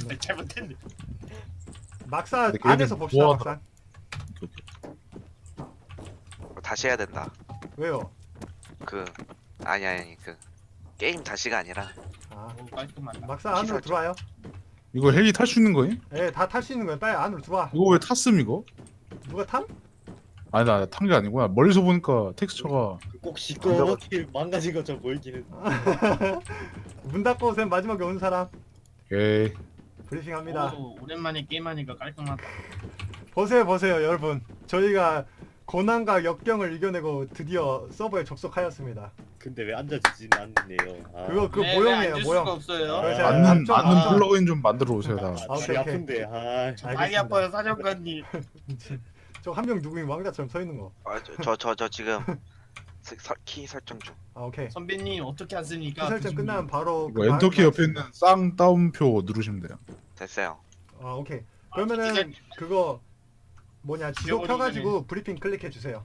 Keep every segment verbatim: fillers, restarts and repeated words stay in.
잘못했네. 잘못했네. 막사 근데 걔네들 안에서 봅시다. 뭐 막사. 어, 다시 해야 된다. 왜요? 그 아니 아니 그 게임 다시가 아니라 아 오 깔끔하다. 막사 안으로 기사죠. 들어와요. 이거 헬기 탈 수 있는 거임? 예, 다 탈 수 있는 거야. 빨리 안으로 들어와. 이거 왜 탔음 이거? 누가 탐? 아니 나 탄 게 아니구나. 멀리서 보니까 텍스처가 꼭 시끄럽게 망가진 것처럼 보이기는. 문 닫고 오세요. 마지막에 온 사람 에이 브리핑합니다. 오, 오랜만에 게임하니까 깔끔하다. 보세요, 보세요, 여러분. 저희가 고난과 역경을 이겨내고 드디어 서버에 접속하였습니다. 근데 왜 앉아지진 않네요. 아, 그거 그 왜, 왜 모형이에요, 앉을 모형. 수가 없어요. 그래서 아, 맞는 앞쪽, 맞는 앞쪽. 플러그인 좀 만들어 오세요 다. 아, 오케이, 다리 오케이. 아픈데. 아, 많이 알겠습니다. 아파요 사령관님. 저 한 명 누구인 왕자처럼 서 있는 거. 아, 저 저 저 지금 스- 서- 키 설정 중. 아, 오케이. 선배님 어떻게 안 쓰니까. 키 설정 끝나면 바로 이거 그 엔터키 방- 옆에 있는 쌍따옴표 누르시면 돼요. 됐어요. 아, 오케이. 아, 그러면은 기자님. 그거 뭐냐 지도 지워버리기 펴가지고 브리핑 클릭해 주세요.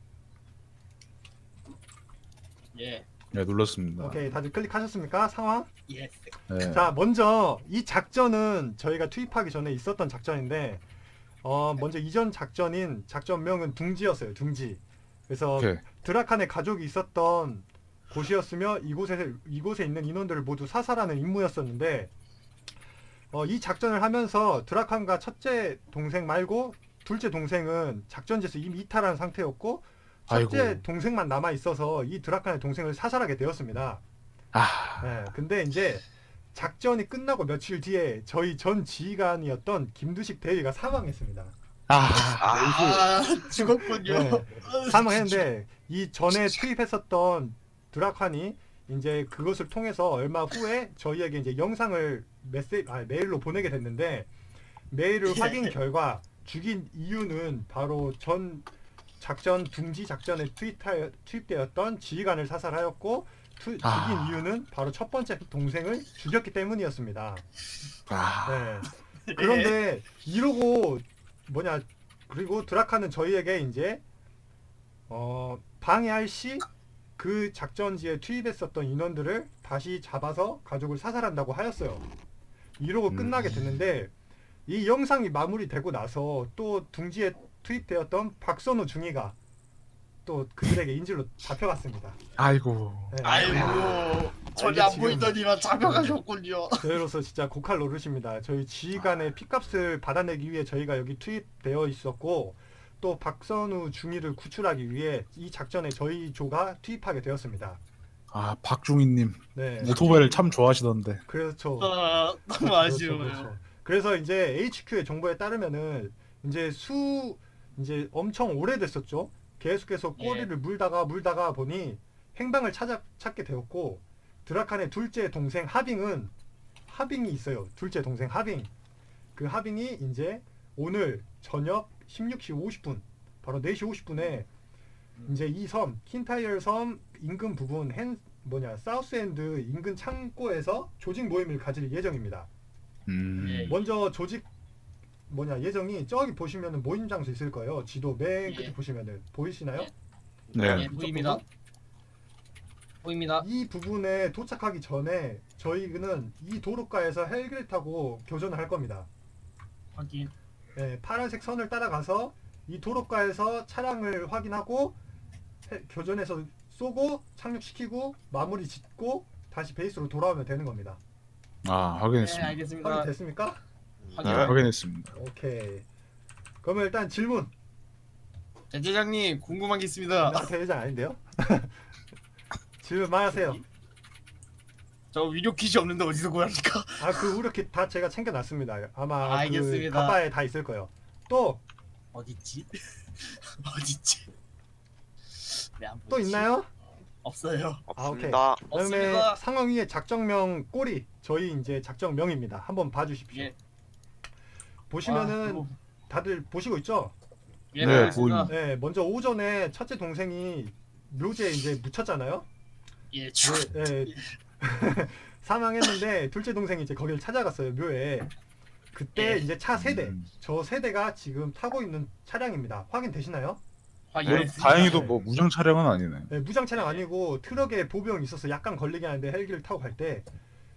예. 네 눌렀습니다. 오케이, 다들 클릭하셨습니까? 상황? 예스. 네. 자, 먼저 이 작전은 저희가 투입하기 전에 있었던 작전인데, 어 먼저 이전 작전인 작전명은 둥지였어요. 둥지. 그래서 오케이. 드라칸의 가족이 있었던 곳이었으며 이곳에 이곳에 있는 인원들을 모두 사살하는 임무였었는데, 어, 이 작전을 하면서 드라칸과 첫째 동생 말고 둘째 동생은 작전지에서 이미 이탈한 상태였고, 첫째 아이고. 동생만 남아 있어서 이 드라칸의 동생을 사살하게 되었습니다. 아 네, 근데 이제 작전이 끝나고 며칠 뒤에 저희 전 지휘관이었던 김두식 대위가 사망했습니다. 아. 아, 아 죽었군요. 네, 사망했는데 이 전에 투입했었던 드라칸이 이제 그것을 통해서 얼마 후에 저희에게 이제 영상을 메시 아, 메일로 보내게 됐는데, 메일을 예. 확인 결과 죽인 이유는 바로 전 작전 둥지 작전에 투입하, 투입되었던 지휘관을 사살하였고, 투, 죽인 아. 이유는 바로 첫 번째 동생을 죽였기 때문이었습니다. 아. 네. 그런데 이러고 뭐냐, 그리고 드라카는 저희에게 이제 어, 방해할 시 그 작전지에 투입했었던 인원들을 다시 잡아서 가족을 사살한다고 하였어요. 이러고 음. 끝나게 됐는데, 이 영상이 마무리되고 나서 또 둥지에 투입되었던 박선우 중위가 또 그들에게 인질로 잡혀갔습니다. 아이고. 네. 아이고 전혀 아, 안 이게 보이더니만 잡혀가셨군요. 저희로서 진짜 고칼 노릇입니다. 저희 지휘관의 핏값을 받아내기 위해 저희가 여기 투입되어 있었고, 또 박선우 중위를 구출하기 위해 이 작전에 저희 조가 투입하게 되었습니다. 아 박중희님 네, 오토바이를 참 좋아하시던데. 그렇죠. 아, 너무 그렇죠, 아쉬워요. 그렇죠. 그래서 이제 에이치큐의 정보에 따르면은 이제 수 이제 엄청 오래됐었죠. 계속해서 예. 꼬리를 물다가 물다가 보니 행방을 찾아 찾게 되었고, 드라칸의 둘째 동생 하빙은 하빙이 있어요. 둘째 동생 하빙. 그 하빙이 이제 오늘 저녁 십육 시 오십 분, 바로 네 시 오십 분에 이제 이 섬 킨타이어 섬 인근 부분 헨 뭐냐 사우스엔드 인근 창고에서 조직 모임을 가질 예정입니다. 음. 예. 먼저 조직 뭐냐 예정이 저기 보시면은 모임 장소 있을 거예요. 지도 맨 끝에 예. 보시면은 보이시나요? 네. 예, 보입니다. 보입니다. 이 부분에 도착하기 전에 저희는 이 도로가에서 헬기를 타고 교전을 할 겁니다. 확인. 예, 파란색 선을 따라가서 이 도로가에서 차량을 확인하고 해- 교전에서 쏘고 착륙시키고 마무리 짓고 다시 베이스로 돌아오면 되는 겁니다. 아 네 확인했습니다. 알겠습니다. 확인됐습니까? 네, 확인. 확인했습니다. 오케이. 그러면 일단 질문. 대대장님 궁금한 게 있습니다. 나 대회장 아닌데요? 질문 많이 하세요. 저 위료 퀴즈 없는데 어디서 구합니까? 아, 그 우려킷 다 제가 챙겨놨습니다. 아마 그 알겠습니다. 가바에 다 있을 거예요. 또 또 어딨지? 어딨지? 왜 안 보이지? 있나요? 없어요. 없습니다. 그다음에 없습니다. 상황 위에 작정명 꼬리, 저희 이제 작정명입니다. 한번 봐주십시오. 예. 보시면은 아, 다들 보시고 있죠? 예, 네, 알겠습니다. 보입니다. 네, 먼저 오전에 첫째 동생이 묘지에 이제 묻혔잖아요. 예, 주. 네, 네. 사망했는데 둘째 동생이 이제 거기를 찾아갔어요, 묘에. 그때 예. 이제 차 세대, 음. 저 세대가 지금 타고 있는 차량입니다. 확인되시나요? 확인. 네, 다행히도 뭐 무장 차량은 아니네. 네, 무장 차량 아니고 트럭에 보병이 있어서 약간 걸리긴 하는데 헬기를 타고 갈 때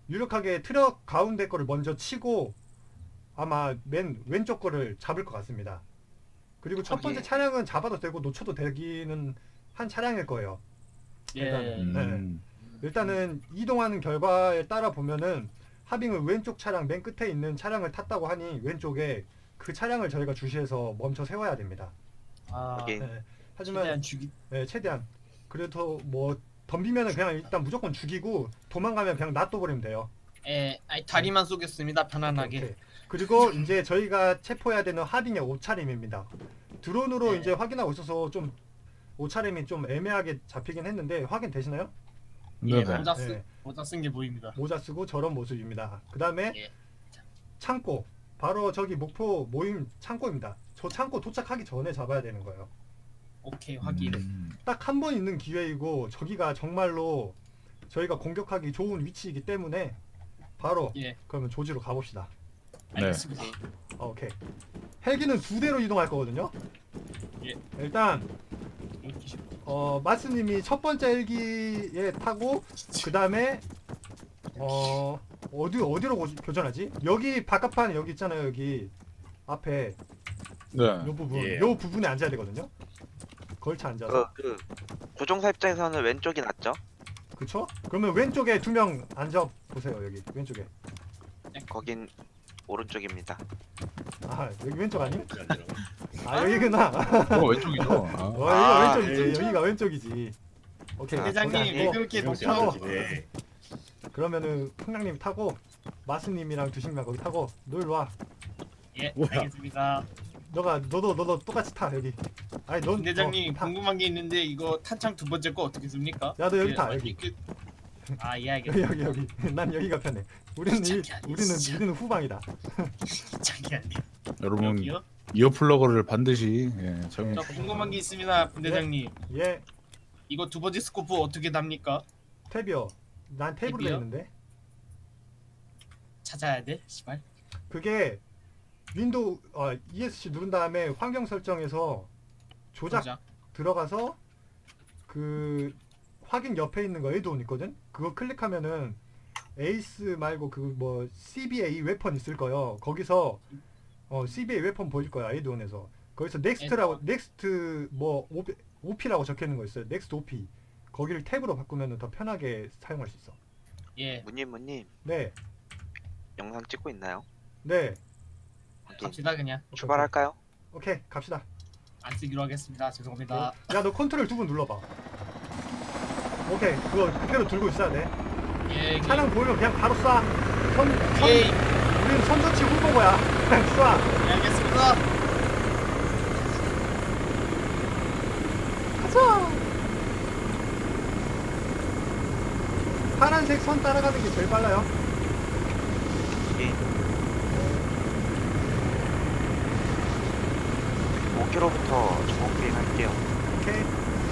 유력하게 트럭 가운데 거를 먼저 치고 아마 맨 왼쪽 거를 잡을 것 같습니다. 그리고 첫 번째 예. 차량은 잡아도 되고 놓쳐도 되기는 한 차량일 거예요. 예. 음. 일단은 이동하는 결과에 따라 보면은 하빙은 왼쪽 차량 맨 끝에 있는 차량을 탔다고 하니 왼쪽에 그 차량을 저희가 주시해서 멈춰 세워야 됩니다. 아, 오케이. 네. 하지만 최대한 죽이. 네, 최대한 그래도 뭐 덤비면은 그냥 일단 무조건 죽이고 도망가면 그냥 놔둬버리면 돼요. 예, 아니, 다리만 쏘겠습니다. 편안하게. 오케이. 그리고 이제 저희가 체포해야 되는 하빙의 옷차림입니다. 드론으로 네. 이제 확인하고 있어서 좀 옷차림이 좀 애매하게 잡히긴 했는데 확인 되시나요? 예, 네네. 모자 쓰 네. 모자 쓴 게 보입니다. 모자 쓰고 저런 모습입니다. 그 다음에 예. 창고 바로 저기 목표 모임 창고입니다. 저 창고 도착하기 전에 잡아야 되는 거예요. 오케이, 확인. 음. 딱 한 번 있는 기회이고 저기가 정말로 저희가 공격하기 좋은 위치이기 때문에 바로 예, 그러면 조지로 가봅시다. 알겠습니다. 어, 오케이. 헬기는 두 대로 이동할 거거든요. 예. 일단 이렇게 쉽- 어 마스님이 첫 번째 헬기에 타고 그 다음에 어 어디 어디로 고- 교전하지? 여기 바깥판 여기 있잖아요. 여기 앞에 네. 요 부분 예. 요 부분에 앉아야 되거든요. 걸쳐 앉아서 그, 그 조종사 입장에서는 왼쪽이 낫죠? 그쵸? 그러면 왼쪽에 두 명 앉아 보세요. 여기 왼쪽에. 거긴 오른쪽입니다. 아 여기 왼쪽 아니? 그게 아니라. 아 여기구나. 어 왼쪽이죠. 아. 어 여기가 아, 왼쪽이지. 왼쪽. 여기가 왼쪽이지. 오케이. 아, 대장님, 거기 왜 앉고 그렇게 명시 타고. 높여? 네. 그러면은 풍랑님 타고 마스님이랑 두식님 거기 타고 너 일로 와. 예, 뭐야? 알겠습니다. 너가 너도 너도 똑같이 타 여기. 아니 넌 대장님, 어, 타. 궁금한 게 있는데 이거 탄창 두 번째 거 어떻게 씁니까? 야, 너 여기 예, 타, 어디 여기. 그- 아, 예, 여기 알겠습니다. 여기 여기. 난 여기가 편해. 우리는 이, 진짜 우리는 진짜. 우리는 후방이다. 자기 아니에요. 여러분 여기요? 이어플러그를 반드시 예, 적용. 저 궁금한 게 있습니다, 분대장님. 예, 이거 두 번째 스코프 어떻게 답니까? 탭이요. 난 탭으로 돼 탭이요? 있는데. 찾아야 돼, 씨발. 그게 윈도우 어, 이에스씨 누른 다음에 환경 설정에서 조작 조작. 들어가서 그 확인 옆에 있는 거 에이드온 있거든. 그거 클릭하면은 에이스 말고 그 뭐 씨비에이 웨펀 있을 거요. 거기서 어 씨비에이 웨펀 보일 거야 에이드온에서. 거기서 넥스트라고 넥스트 뭐 오피라고 적혀 있는 거 있어요. 넥스트 오피. 거기를 탭으로 바꾸면은 더 편하게 사용할 수 있어. 예, 문님 문님 네, 영상 찍고 있나요? 네. 확인. 갑시다 그냥. 출발할까요? 오케이, 갑시다. 안 쓰기로 하겠습니다. 죄송합니다. 야, 너 컨트롤 두 번 눌러봐. 오케이, 그거 그대로 들고 있어야 돼. 예, 차량 보이면 그냥 바로 쏴. 선, 선, 예, 우리는 선저치 후보고야. 그냥 쏴. 예, 알겠습니다. 가자. 파란색 선 따라가는 게 제일 빨라요. 예. 오 킬로미터부터 정확히 할게요. 오케이.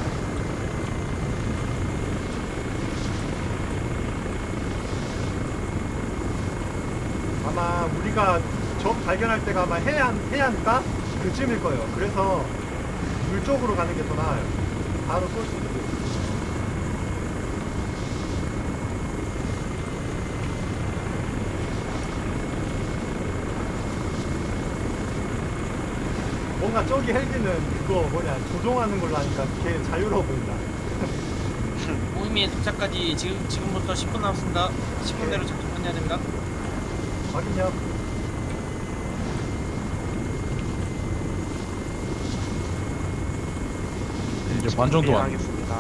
아마 우리가 적 발견할 때가 아마 해안, 해안가? 그쯤일 거예요. 그래서 물 쪽으로 가는 게 더 나아요. 바로 쏠 수 있고. 뭔가 저기 헬기는 그거 뭐냐 조종하는 걸로 하니까 걔 자유로워 보인다. 모임의 도착까지 지금 지금부터 십 분 남았습니다. 십 분 내로 접촉해야 됩니다. 확인요. 이제 반 정도 왔네. 하겠습니다.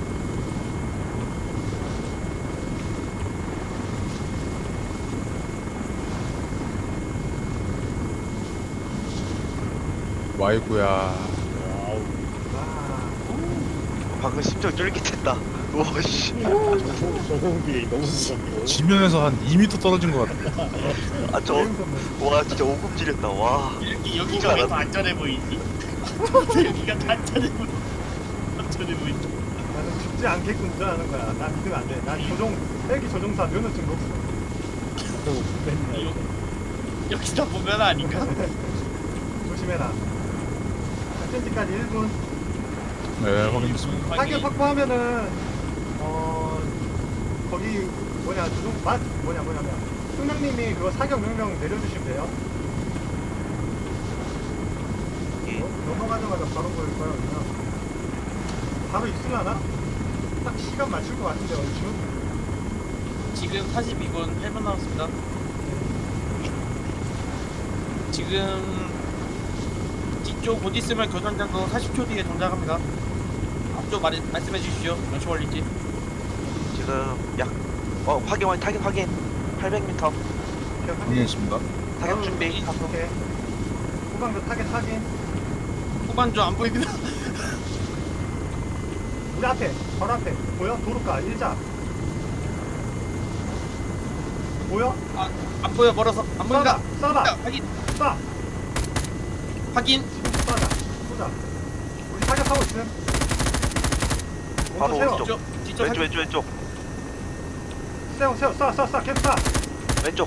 와이구야. 와우. 와. 방금 심장 쫄깃했다. 오씨. 소공비 너무 무섭고. 지면에서 한 이 미터 떨어진 것 같아. 아저 와 진짜 오금 지렸다. 와. 여기 여기가 왜 더 안전해 보이지? 여기가 더 안전해 보이. 안전해 보이지. 나는 죽지 않게끔 운전하는 거야. 난 믿으면 안 돼. 난 조종 헬기 조종사 면허증도 없어. 맨날 여, 여기다 보면 아닌가? 조심해라. 작전지까지 일 분. 네, 확인했습니다. 타격 확보하면은 어 거기 뭐냐 누구 맛 뭐냐 뭐냐 뭐냐 승명님이 그거 사격 명령 내려주시면 돼요. 예. 어? 넘어가자마자 바로 보일 거야 그냥. 바로 있을라나? 딱 시간 맞출 것 같은데 얼추. 지금 사십이 분 팔 분 남았습니다. 지금 뒤쪽 곧 있으면 교전장도 사십 초 뒤에 동작합니다. 앞쪽 말, 말씀해 주십시오. 몇 초 걸릴지. 지금 약 어 확인 확인 타격 확인 팔백 미터 오케이, 확인. 확인했습니다. 타격 준비 가속 오케이. 후방도 타겟 확인. 후반조 안 보입니다. 우리 앞에 바로 앞에 보여? 도로가 일자 보여? 아, 안 보여 멀어서 안 보인다. 쏴봐 쏴봐 확인. 쏴 확인. 지금 쏴자 쏘자 우리 사격하고 있음. 바로 먼저 세워. 오른쪽. 뒤쪽 뒤쪽 왼쪽 확인. 왼쪽 왼쪽 세워 세워 쏴 쏴 쏴 계속 쏴. 왼쪽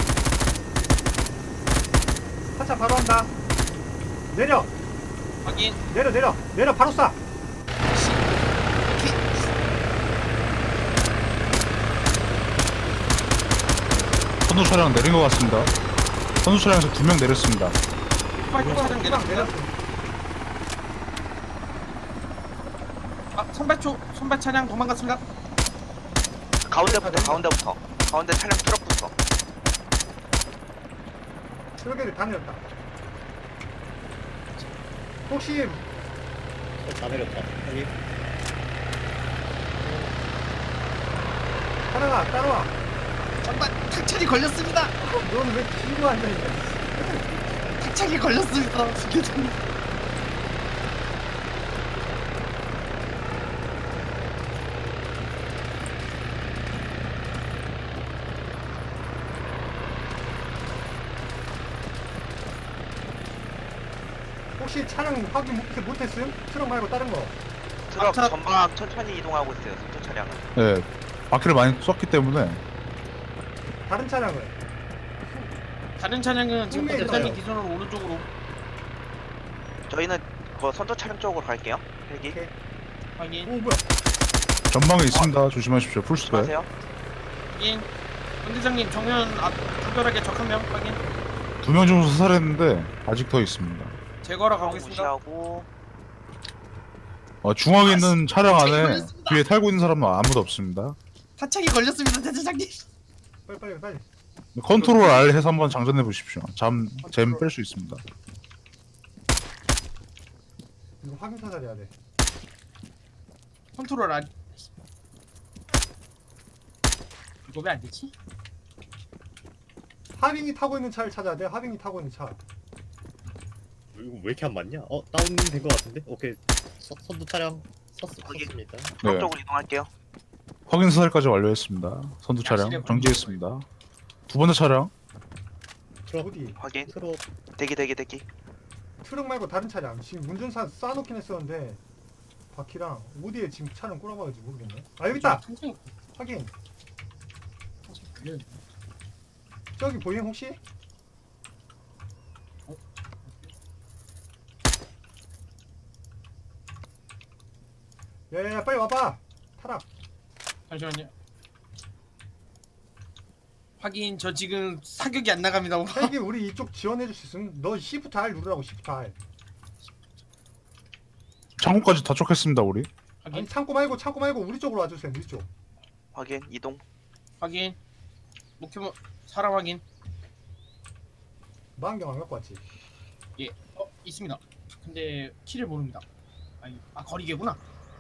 한차 바로 한다. 내려 확인. 내려 내려 내려 바로 쏴. 선두 차량 내린 것 같습니다. 선두 차량에서 두 명 내렸습니다. 후방 차량 후방 내렸습니다. 내렸어. 아, 선발초 선발 차량 도망갔습니다. 가운데부터 가운데부터 가운데 차량 트럭부터 트럭에를 다 내렸다. 혹시 어, 다 내렸다. 여기. 하나가 따라와. 정말 탁착이 걸렸습니다. 넌 왜 뒤로 앉아있냐? 탁착이 걸렸습니다. 교전님. 혹시 차량 확인 못- 못했음? 트럭 말고 다른 거. 트럭 앞차- 전방 천천히 이동하고 있어요 선두 차량은 네, 바퀴를 많이 쐈기 때문에 다른 차량을. 다른 차량은 지금 후미에 대단히 있어요. 기존으로 오른쪽으로 저희는 그 선두 차량 쪽으로 갈게요 헬기 오케이. 확인. 오 뭐야? 전방에 있습니다. 조심하십시오. 풀스ペ. 하세요 확인. 본대장님 정면 앞 구별하게 적 한 명 확인. 두 명 정도 사살했는데 아직 더 있습니다. 제거하러 가고 있습니다. 무시하고 어, 중앙에 있는 차량 안에 걸렸습니다. 뒤에 탈고 있는 사람은 아무도 없습니다. 타착이 걸렸습니다, 대대장님. 빨리 빨리 빨리. 컨트롤 R 해서 한번 장전해 보십시오. 잠, 잼 뺄 수 있습니다. 이거 확인 사살해야 돼. 컨트롤 안. 이거 왜 안 되지? 하빙이 타고 있는 차를 찾아야 돼. 하빙이 타고 있는 차. 이거 왜 이렇게 안 맞냐? 어 다운된 것 같은데? 오케이. 서, 선두 차량 섰, 거기. 섰습니다. 트럭 네. 쪽으로 이동할게요 확인 사살까지 완료했습니다. 선두 차량 정지했습니다. 두 번째 차량 트럭 어디? 확인 트럭 대기 대기 대기 트럭 말고 다른 차량. 지금 운전사 쏴놓긴 했었는데 바퀴랑 어디에 지금 차량 꼬라박을지 모르겠네. 아 여기 있다. 천천히 확인. 천천히 걸려. 저기 보임 혹시? 야야야 빨리 와봐. 타락. 잠시만요. 확인. 저 지금 사격이 안 나갑니다. 오빠. 헬기 우리 이쪽 지원해줄 수 있음? 너 시프트 R 누르라고 시프트 R. 창고까지 도착했습니다. 우리 아니 확인. 창고 말고 창고 말고 우리 쪽으로 와주세요. 우리 쪽. 확인 이동 확인. 목표 사람 확인. 망경 안 갖고 왔지? 예. 어 있습니다. 근데 키를 모릅니다. 아니, 아 거리계구나.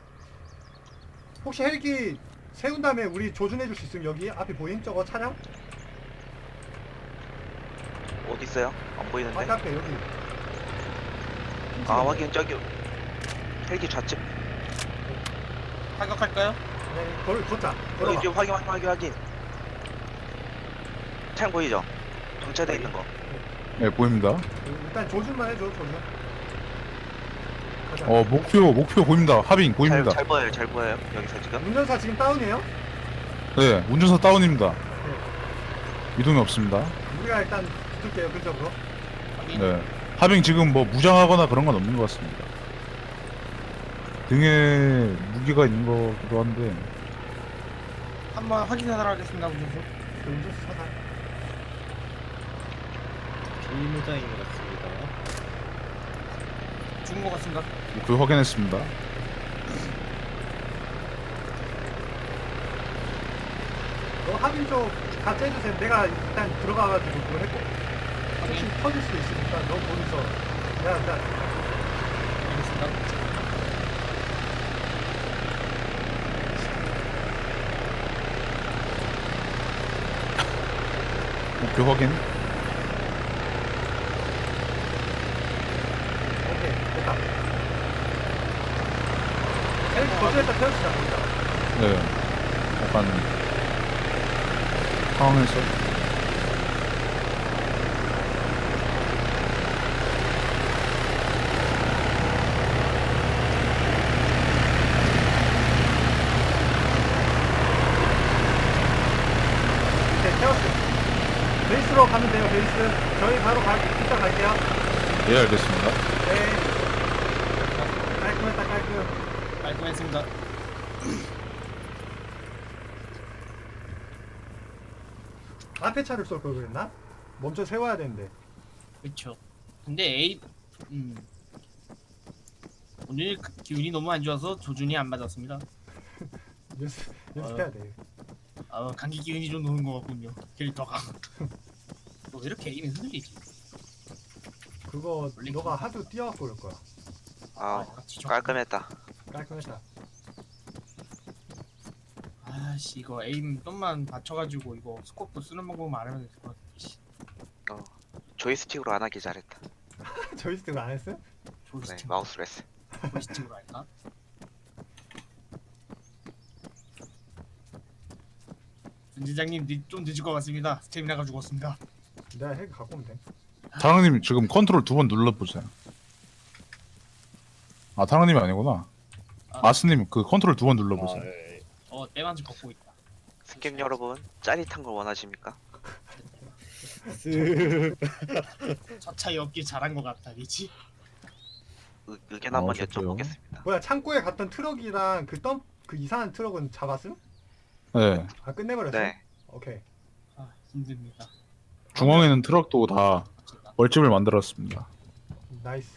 혹시 헬기 세운 다음에 우리 조준해줄 수 있음? 여기 앞에 보임? 저거 차량? 어디 있어요? 안 앞에 보이는데 앞에 여기. 아 확인 저기 헬기 좌측 타격할까요? 네, 걸 걷자. 여기 걸어봐. 지금 확인 확인 확인 확인 차량 보이죠? 정체돼 있는 거 네 보입니다. 일단 조준만 해줘. 조준. 가자. 어 목표 목표 보입니다. 하빙 잘, 보입니다. 잘 보여요 잘 보여요 여기서 지금 운전사 지금 다운이에요? 네 운전사 다운입니다. 네. 이동이 없습니다. 우리가 일단 붙을게요. 근접으로. 확인. 네 하빙 지금 뭐 무장하거나 그런 건 없는 것 같습니다. 등에 무기가 있는 거기도 한데 한번 확인하도록 하겠습니다, 운전수. 그 운전수 사다. 비무장인 것 같습니다. 죽은 것 같습니다. 그 확인했습니다. 너 합인 쪽 같이 해주세요. 내가 일단 들어가가지고 그거 했고. 혹시 확인. 터질 수 있으니까 너 거기서 야, 야, 알겠습니다. 목표 확인. 오케이, 됐다. 헬 거절했다 태워주자, 거기다. 네. 약간 상황에서 오케이, 태웠어. 베이스로 가면 돼요, 베이스. 저희 바로 가, 이따 갈게요. 예 알겠습니다. 네. 깔끔했다, 깔끔. 깔끔했습니다. 앞에 차를 쏠 걸 그랬나? 멈춰 세워야 되는데. 그렇죠. 근데 A, 음, 오늘 그 기운이 너무 안 좋아서 조준이 안 맞았습니다. 연습, 연습해야 돼. 아, 감기 기운이 좀 노는 것 같군요. 캐릭터가. 너 왜 이렇게 에임이 흔들리지? 그거 너가 하도 뛰어갖고 그럴 거야. 아 같이 좀- 깔끔했다. 깔끔했다. 아씨 이거 에임 좀만 받쳐가지고 이거 스코프 쓰는 방법만 알면 될 것 같아. 씨, 어 조이스틱으로 안 하길 잘했다. 조이스틱 안 했어요? 네 조이스틱 마우스로 했어. 조이스틱으로 할까? 전지장님 좀 늦을 것 같습니다. 스태미나가 죽었습니다. 내가 핵 갖고 오면 돼. 타랑님 지금 컨트롤 두 번 눌러보세요. 아 타랑님이 아니구나. 아. 아스님 그 컨트롤 두 번 아, 눌러보세요. 예. 어 때만지 걷고 있다. 승객 여러분 짜릿한 걸 원하십니까? 쓱. 차차이 없길 잘한 것 같다, 그렇지? 의, 의견 아, 한번 좋고요. 여쭤보겠습니다. 뭐야 창고에 갔던 트럭이랑 그 덤 그 이상한 트럭은 잡았음? 네. 아 끝내버렸어? 네. 오케이. 아 힘듭니다. 중앙에 있는 트럭도 다 제가 벌집을 만들었습니다. 나이스.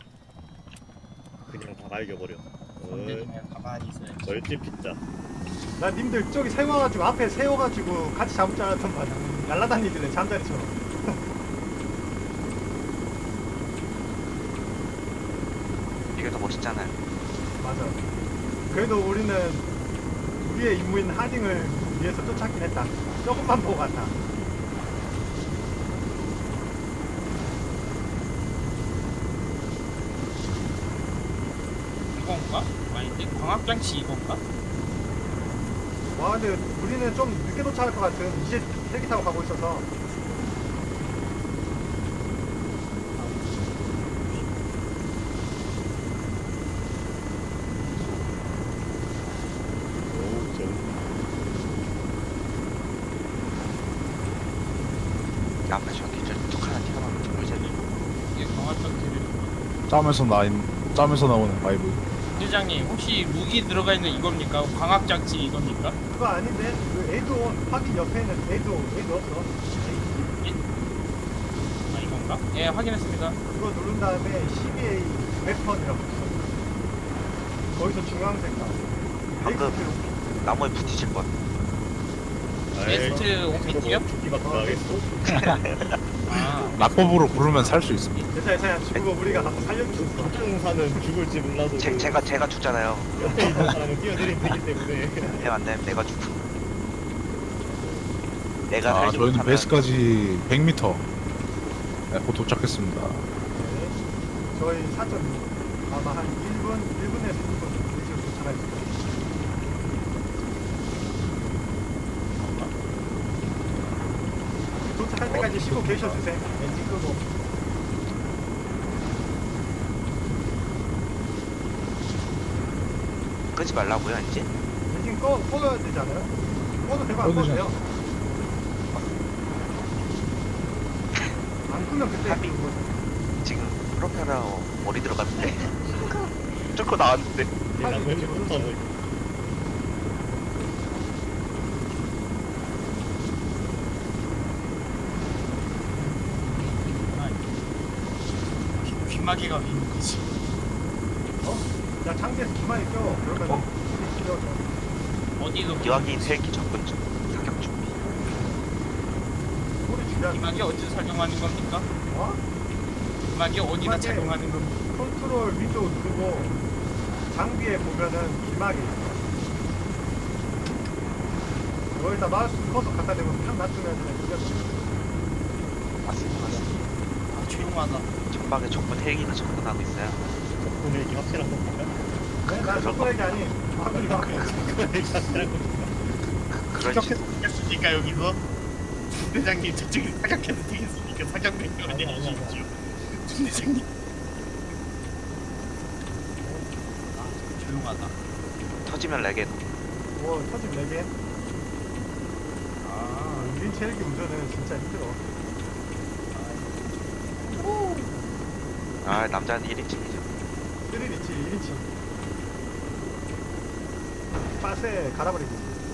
그냥 다 갈겨버려. 근데 어, 그냥 가만히 있어요. 벌집 피자. 나 님들 저기 세워가지고 앞에 세워가지고 같이 잠을 자랐던 말이야. 날라다니길래 잠자리처럼. 이게 더 멋있잖아요. 맞아. 그래도 우리는 우리의 임무인 하딩을 위해서 쫓았긴 했다. 조금만 보고 갔다. 이건가? 아닌데 광학장치 이건가? 와 근데 우리는 좀 늦게 도착할 것 같은. 이제 헬기 타고 가고 있어서. 오, 좀. 앞에 저기 저뚝 하나 튀어나오는 좀 보이잖아요. 이게 광학장치를. 짬에서 나인 짬에서 나오는 바이브. 대장님 혹시 무기 들어가 있는 이겁니까? 광학장치 이겁니까? 그거 아닌데? 그 에이도 확인 옆에는 에이도 에이도 없어. 아 이건가? 예 확인했습니다. 그거 누른 다음에 씨비에이 웨펀이라고 있어. 거기서 중앙색 나와. 방금 나무에 부딪힐 뻔. 베스트 오피티요? 죽기 같은 거 하겠어? 아 낙법으로 부르면 살 수 있습니다. 괜찮아 괜찮아. 죽고 우리가 가서 살려줄 수 있어. 사는 죽을지 몰라도 제, 제가 제가 죽잖아요. 옆에 있는 사람은 뛰어내리면 되기 때문에. 네, 안 되면 내가 죽고. 내가 아 살지 저희는 못하면 베이스까지 백 미터. 네, 곧 도착했습니다. 네. 저희 사 점 육. 아마 한 일 분, 일 분에서 이 분 이쯤 도착할 거예요. 도착할 때까지 쉬고 계셔주세요. 엔진 끄고. 끄지 말라고요 이제. 엔진 꺼, 꺼야 되지 않아요? 꺼도 되고 안 꺼도 꺼도 돼요. 안 끄면 그때 합의. 그거 지금 프로펠러 머리 들어갔는데. 쫓고 나왔는데. 얘랑 헬리콥터는 기마개가 왜 있는 거지? 어? 야 장비에서 기만이 껴. 그러면 어? 우리 껴. 어디로? 기왕인 헬기 접근 중. 사격 준비. 소리 줄여. 기마개 어디서 작용하는 겁니까? 어? 기마개 어디다 기마개. 작용하는 겁니까? 컨트롤 위쪽 누르고 장비에 보면은 기막이 있어. 여기다 마우스 커서 갖다 대고 탁 놔두면은 그게 맞습니다. 맞습니다. 아 조용하다. 전방에 적군 헬기가 접근하고 있어요. 적군 헬기 확실한 겁니까? 네, 난 속도얘기 아니. 화분이 막. 적군 헬기 확실한 겁니까? 그런 식. 사격했습니까 여기서? 대장님 저쪽에 사격해도 되겠습니까? 사격 명령을 아니, 아니, 아니. 내리십시오. 대장님. 조용하다. 터지면 레겐. 오, 터짐 네 개. 아, 일 인치 헬기 운전은 진짜 힘들어. 아 남자는 일 인칭이죠. 쓰리 인치, 일 인치. 빠세 갈아버리기.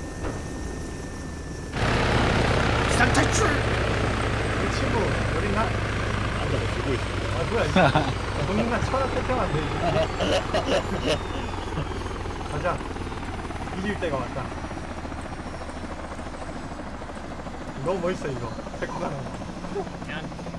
비상 탈출. 우리 친구 어디 있나? 앉아서 들고 있습니다. 아 뭐야 이거. 동영상 천하 태평한데 이거. 가자. 이길 때가 왔다. 너무 멋있어 이거. 데리고 가는 거. 그냥